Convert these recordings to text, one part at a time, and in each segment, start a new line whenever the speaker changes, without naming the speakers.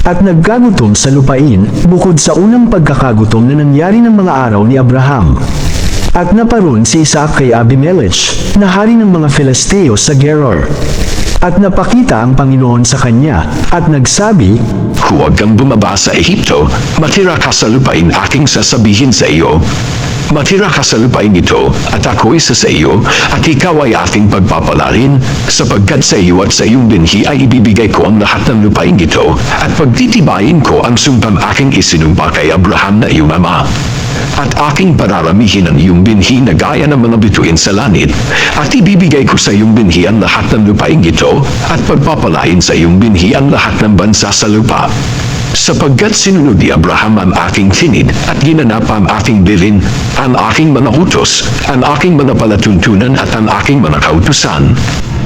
at nagkagutom sa lupain, bukod sa unang pagkakagutom na nangyari ng mga araw ni Abraham. At naparoon si Isaac kay Abimelech, na hari ng mga Filisteo sa Gerar. At napakita ang Panginoon sa kanya, at nagsabi,
Huwag kang bumaba sa Ehipto, matira ka sa lupain aking sasabihin sa iyo. Matira ka sa lupain ito, at ako isa sa iyo, at ikaw ay aking pagpapalarin, sapagkat sa iyo at sa iyong binhi ay ibibigay ko ang lahat ng lupain ito, at pagtitibayin ko ang sumpang aking isinumpa kay Abraham na iyong ama. At aking pararamihin ang iyong binhi na gaya ng mga bituin sa langit, at ibibigay ko sa iyong binhi ang lahat ng lupain ito, at pagpapalain sa iyong binhi ang lahat ng bansa sa lupa. Sapagkat sinunod ni Abraham ang aking tinid at ginanap ang aking bilin, ang aking mga utos, ang aking mga palatuntunan at ang aking mga kautusan.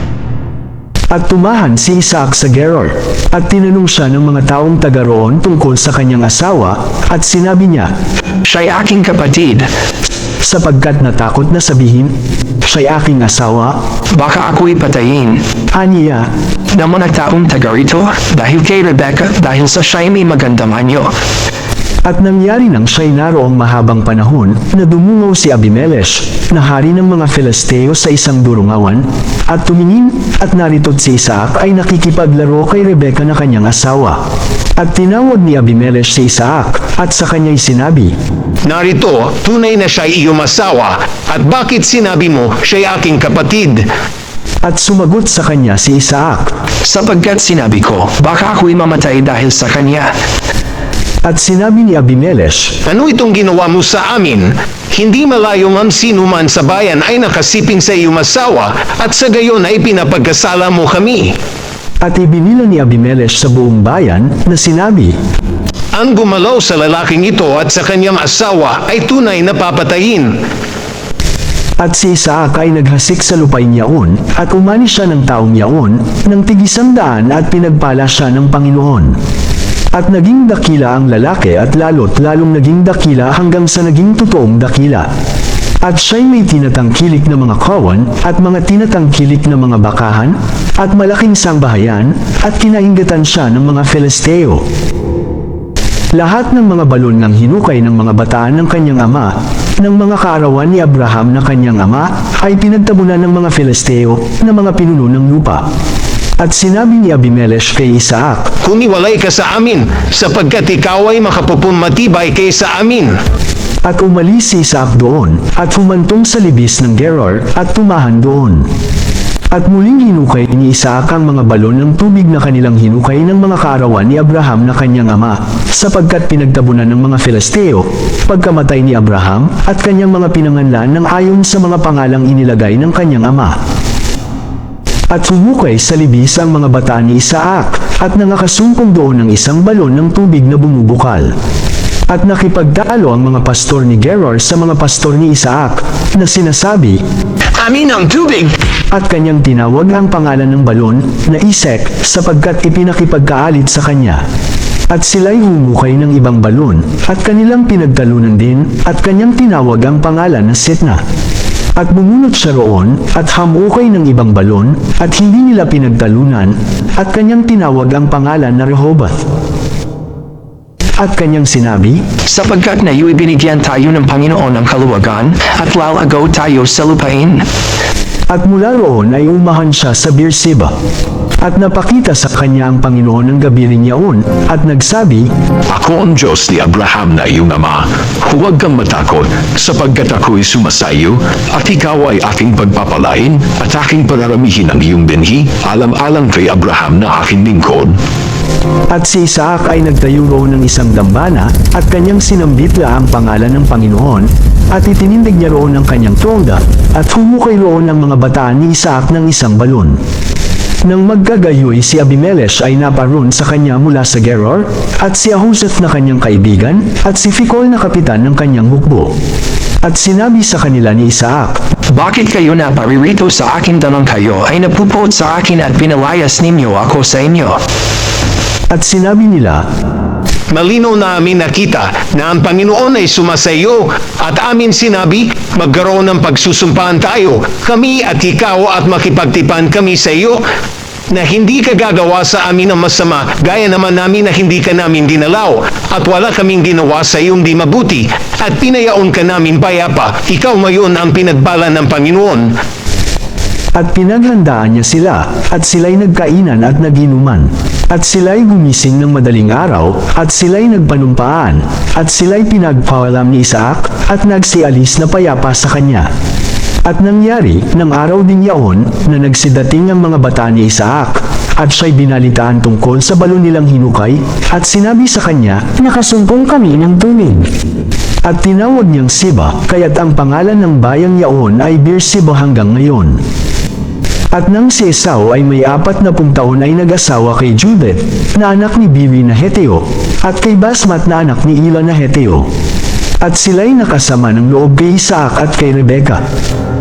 At tumahan si Isaac sa Gerar, at tinanong siya ng mga taong taga roon tungkol sa kanyang asawa, at sinabi niya,
Siya'y aking kapatid.
sapagkat natakot na sabihin, siya'y aking asawa,
Baka ako'y patayin
aniya,
ng mga taong taga rito dahil kay Rebecca dahil sa siya'y may magandang anyo.
At nangyari nang siya'y naroong mahabang panahon na dumungaw si Abimelech, na hari ng mga Filisteo sa isang durungawan, at tumingin, at narito't si Isaac ay nakikipaglaro kay Rebecca na kanyang asawa. At tinawag ni Abimelech si Isaac, at sa kanya'y sinabi,
Narito, tunay na siya'y iyong asawa, at bakit sinabi mo siya'y aking kapatid?
at sumagot sa kanya si Isaac.
Sapagkat sinabi ko, baka ako'y mamatay dahil sa kanya.
At sinabi ni Abimelech,
Ano itong ginawa mo sa amin? Hindi malayo ang sino man sa bayan ay nakasiping sa iyong asawa, at sa gayon ay pinapagkasala mo kami.
at ibinila ni Abimelech sa buong bayan na sinabi,
Ang gumalaw sa lalaking ito at sa kanyang asawa ay tunay na papatayin.
At si Isaac ay naghasik sa lupain yaon, at umani siya ng taong yaon, ng tig-100 at pinagpala siya ng Panginoon. At naging dakila ang lalaki at lalo't lalong naging dakila hanggang sa naging totoong dakila. At siya'y may tinatangkilik na mga kawan, at mga tinatangkilik na mga bakahan, at malaking sangbahayan, at kinainggatan siya ng mga Filisteo. Lahat ng mga balon ng hinukay ng mga bataan ng kanyang ama, ng mga kaarawan ni Abraham na kanyang ama, ay pinagtabunan ng mga Filisteo na mga pinuno ng lupa. At sinabi ni Abimelech kay Isaac,
Kumiwalay ka sa amin, sapagkat ikaw ay makapupumatibay kaysa amin.
at umalis si Isaac doon, at humantong sa libis ng Gerar, at tumahan doon. At muling hinukay ni Isaac ang mga balon ng tubig na kanilang hinukay ng mga kaarawan ni Abraham na kanyang ama, sapagkat pinagtabunan ng mga Filisteo, pagkamatay ni Abraham, at kanyang mga pinanganlan ng ayon sa mga pangalang inilagay ng kanyang ama. At humukay sa libis ang mga bata ni Isaac, at nangakasumpong doon ng isang balon ng tubig na bumubukal. At nakipagtalo ang mga pastor ni Gerar sa mga pastor ni Isaac, na sinasabi,
Amin ang tubig!
at kanyang tinawag ang pangalan ng balon na Isek, sapagkat ipinakipagkaalit sa kanya. At sila'y humukay ng ibang balon, at kanilang pinagtalunan din, at kanyang tinawag ang pangalan na Sitna. At bumunot siya roon, at hamukay ng ibang balon, at hindi nila pinagtalunan, at kanyang tinawag ang pangalan na Rehoboth. At kanyang sinabi,
Sapagkat na iyo'y binigyan tayo ng Panginoon ng kaluwagan, at lalago tayo sa lupain.
at mula roon ay umahan siya sa Beersheba. At napakita sa kanya ang Panginoon ng gabi rin yaon, at nagsabi,
Ako ang Diyos ni Abraham na iyong ama. Huwag kang matakot, sapagkat ako'y sumasayo, at ikaw ay aking pagpapalain, at aking pararamihin ang iyong binhi, alam-alang kay Abraham na aking lingkod.
At si Isaac ay nagtayo roon ng isang dambana, at kanyang sinambitla ang pangalan ng Panginoon, at itinindig niya roon ang kanyang tronda, at humukay roon ang mga bataan ni Isaac ng isang balon. Nang magkagayoy si Abimelech ay naparoon sa kanya mula sa Gerar, at si Ahuzeth na kanyang kaibigan, at si Fikol na kapitan ng kanyang hukbo. At sinabi sa kanila ni Isaac,
Bakit kayo na paririto sa akin tanong kayo ay napupot sa akin at pinalayas ninyo ako sa inyo?
at sinabi nila,
Malinaw na amin nakita na ang Panginoon ay sumasayo at amin sinabi, magkaroon ng pagsusumpaan tayo, kami at ikaw at makipagtipan kami sa iyo. na hindi ka gagawa sa amin ng masama, gaya naman namin na hindi ka namin dinalaw, at wala kaming ginawa sa iyong di mabuti, at pinayaon ka namin payapa, ikaw ngayon ang pinagbala ng Panginoon.
At pinaghandaan niya sila, at sila'y nagkainan at naginuman. At sila'y gumising ng madaling araw, at sila'y nagpanumpaan, at sila'y pinagpawalam ni Isaac, at nagsialis na payapa sa kanya. At nangyari, ng araw din yaon, na nagsidating ang mga bata ni Isaac, at siya'y binalitaan tungkol sa balon nilang hinukay, at sinabi sa kanya,
Nakasumpong kami ng tubig.
at tinawag niyang Siba, kaya't ang pangalan ng bayang yaon ay Beersheba hanggang ngayon. At nang si Esau ay may 40 taon ay nag-asawa kay Judith, na anak ni Bilhi na Heteo, at kay Basmat na anak ni Ila na Heteo. At sila'y nakasama ng loob kay Isaac at kay Rebekah.